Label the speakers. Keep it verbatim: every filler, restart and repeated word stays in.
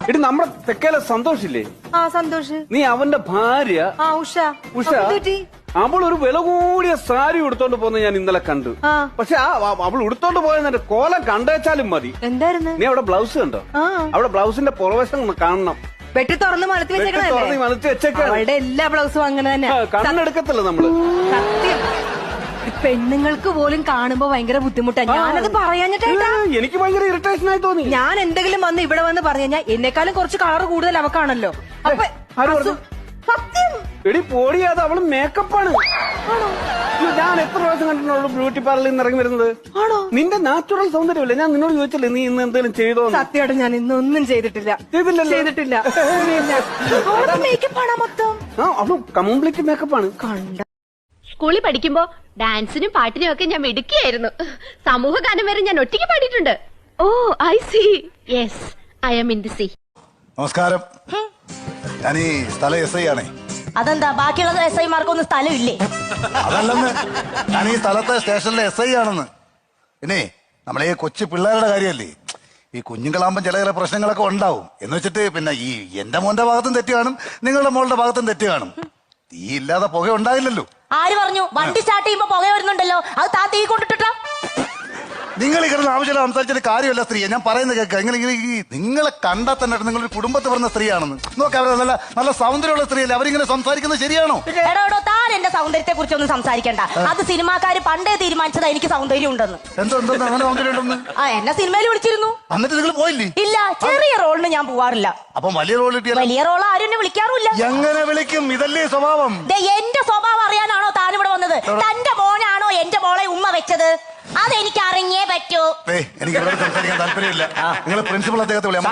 Speaker 1: എടി നമ്മുടെ തെക്കേലെ സന്തോഷില്ലേ?
Speaker 2: ആ സന്തോഷ്.
Speaker 1: നീ അവന്റെ ഭാര്യ
Speaker 2: ആ ഉഷ.
Speaker 1: ഉഷ അവൾ ഒരു വില കൂടിയ സാരി ഉടുത്തോണ്ട് പോകുന്ന ഞാൻ ഇന്നലെ കണ്ടു. പക്ഷെ ആ അവൾ ഉടുത്തോണ്ട് പോയതിന്റെ കോലം കണ്ടേച്ചാലും മതി.
Speaker 2: എന്തായിരുന്നു?
Speaker 1: നീ അവിടെ ബ്ലൗസ് കണ്ടോ? അവിടെ ബ്ലൗസിന്റെ പുറവശം കാണണം.
Speaker 2: വെട്ടി തുറന്ന് മലത്തി വെച്ചേക്കണേ. അവളുടെ എല്ലാ ബ്ലൗസും അങ്ങനെ തന്നെ.
Speaker 1: കണ്ണെടുക്കത്തില്ല നമ്മള്.
Speaker 2: സത്യം. പെണ്ണുങ്ങൾക്ക് പോലും കാണുമ്പോ ഭയങ്കര ബുദ്ധിമുട്ടാണ്. ഞാനത് പറയാഞ്ഞിട്ടാ.
Speaker 1: എനിക്ക് ഭയങ്കര ഇറിറ്റേഷൻ ആയി തോന്നി.
Speaker 2: ഞാൻ എന്തെങ്കിലും വന്ന് ഇവിടെ വന്ന് പറഞ്ഞു കഴിഞ്ഞാൽ എന്നെക്കാളും കുറച്ച് കളറ് കൂടുതൽ അവക്കാണല്ലോ. അപ്പൊ സത്യം
Speaker 1: എടി പോടിയാതെ അവള് മേക്കപ്പാണ്. ഞാൻ എത്ര പ്രാവശ്യം കണ്ടിട്ടുള്ളൂ ബ്യൂട്ടി പാർലറിൽ നിന്ന് ഇറങ്ങി വരുന്നത്. ആണോ? നിന്റെ നാച്ചുറൽ സൗന്ദര്യമല്ലേ? ഞാൻ നിന്നോട് ചോദിച്ചില്ലേ നീ ഇന്ന് എന്തെങ്കിലും ചെയ്തോ?
Speaker 2: സത്യമായിട്ട് ഞാൻ ഇന്നൊന്നും ചെയ്തിട്ടില്ല. ചെയ്തിട്ടില്ല. അവളുടെ മേക്കപ്പാണ് മൊത്തം.
Speaker 1: ആ അവള് കംപ്ലീറ്റ് മേക്കപ്പാണ്.
Speaker 2: കണ്ട
Speaker 3: സ്കൂളിൽ പഠിക്കുമ്പോ ഡാൻസിനും പാട്ടിനും ഒക്കെ ഞാൻ മിടുക്കിയായിരുന്നു. സമൂഹ ഗാനം വരെ ഞാൻ ഒറ്റയ്ക്ക് പാടിയിട്ടുണ്ട്. Oh I see. Yes, I am in the sea.
Speaker 4: നമസ്കാരം. ഞാൻ ഈ സ്ഥലം എസ് ഐ ആണേ.
Speaker 5: അതെന്താ ബാക്കിയുള്ള എസ് ഐമാർക്കൊന്നും സ്ഥലമില്ലേ?
Speaker 4: അതല്ലെന്ന്, ഞാൻ ഈ സ്ഥലത്തെ സ്റ്റേഷനിലെ എസ് ഐ ആണെന്ന്. പിന്നെ നമ്മളെ ഈ കൊച്ചു പിള്ളേരുടെ കാര്യമല്ലേ, ഈ കുഞ്ഞുങ്ങളാകുമ്പോൾ ചില ചില പ്രശ്നങ്ങളൊക്കെ ഉണ്ടാവും. എന്ന് വെച്ചിട്ട് പിന്നെ ഈ എന്റെ മോന്റെ ഭാഗത്തും തെറ്റ് കാണും, നിങ്ങളുടെ മോളുടെ ഭാഗത്തും തെറ്റ് കാണും. തീ ഇല്ലാതെ പുക ഉണ്ടാവില്ലല്ലോ.
Speaker 5: ആര് പറഞ്ഞു? വണ്ടി സ്റ്റാർട്ട് ചെയ്യുമ്പോ പുക വരുന്നുണ്ടല്ലോ, അത് താ തീ കൊണ്ടിട്ടാ.
Speaker 4: നിങ്ങൾ ഈ കിടന്ന് ആവശ്യമില്ല സംസാരിച്ചിട്ട് കാര്യമല്ല സ്ത്രീയെ. ഞാൻ പറയുന്നത് കേൾക്കുക. നിങ്ങൾ നിങ്ങളെ കണ്ടാൽ തന്നെ നിങ്ങളൊരു കുടുംബത്തിൽ പറഞ്ഞ സ്ത്രീയാണെന്ന് നോക്കാം. അവരെ നല്ല നല്ല സൗന്ദര്യമുള്ള സ്ത്രീയല്ലേ, അവരിങ്ങനെ സംസാരിക്കുന്നത് ശരിയാണോ?
Speaker 5: എടോ താൻ എന്റെ സൗന്ദര്യത്തെ കുറിച്ചൊന്നും സംസാരിക്കണ്ട. അത് സിനിമാക്കാര് പണ്ടേ തീരുമാനിച്ചതാ എനിക്ക് സൗന്ദര്യം ഉണ്ടെന്ന്.
Speaker 4: എന്തോ എന്തോ അങ്ങനെ സൗന്ദര്യം ഉണ്ടെന്ന്?
Speaker 5: ആ എന്നെ സിനിമയിൽ വിളിച്ചിരുന്നു.
Speaker 4: എന്നിട്ട് നിങ്ങൾ പോയില്ലേ?
Speaker 5: ഇല്ല, ചെറിയ റോളിന് ഞാൻ പോവാറില്ല.
Speaker 4: അപ്പൊ വലിയ റോൾ കിട്ടിയ
Speaker 5: വലിയ റോൾ ആരും എന്നെ വിളിക്കാറില്ല.
Speaker 4: എങ്ങനെ വിളിക്കും? ഇതല്ലേ സ്വഭാവം.
Speaker 5: എന്റെ സ്വഭാവം അറിയാനാണോ താൻ ഇവിടെ വന്നത്? തന്റെ മോനാണോ എന്റെ മോളെ ഉമ്മ വെച്ചത്? അതെനിക്ക് അറിഞ്ഞേ പറ്റൂ.
Speaker 4: എനിക്ക് ഇവിടെ സംസാരിക്കാൻ താല്പര്യമില്ല. നിങ്ങൾ പ്രിൻസിപ്പൾ അദ്ദേഹത്തെ വിളിയാം.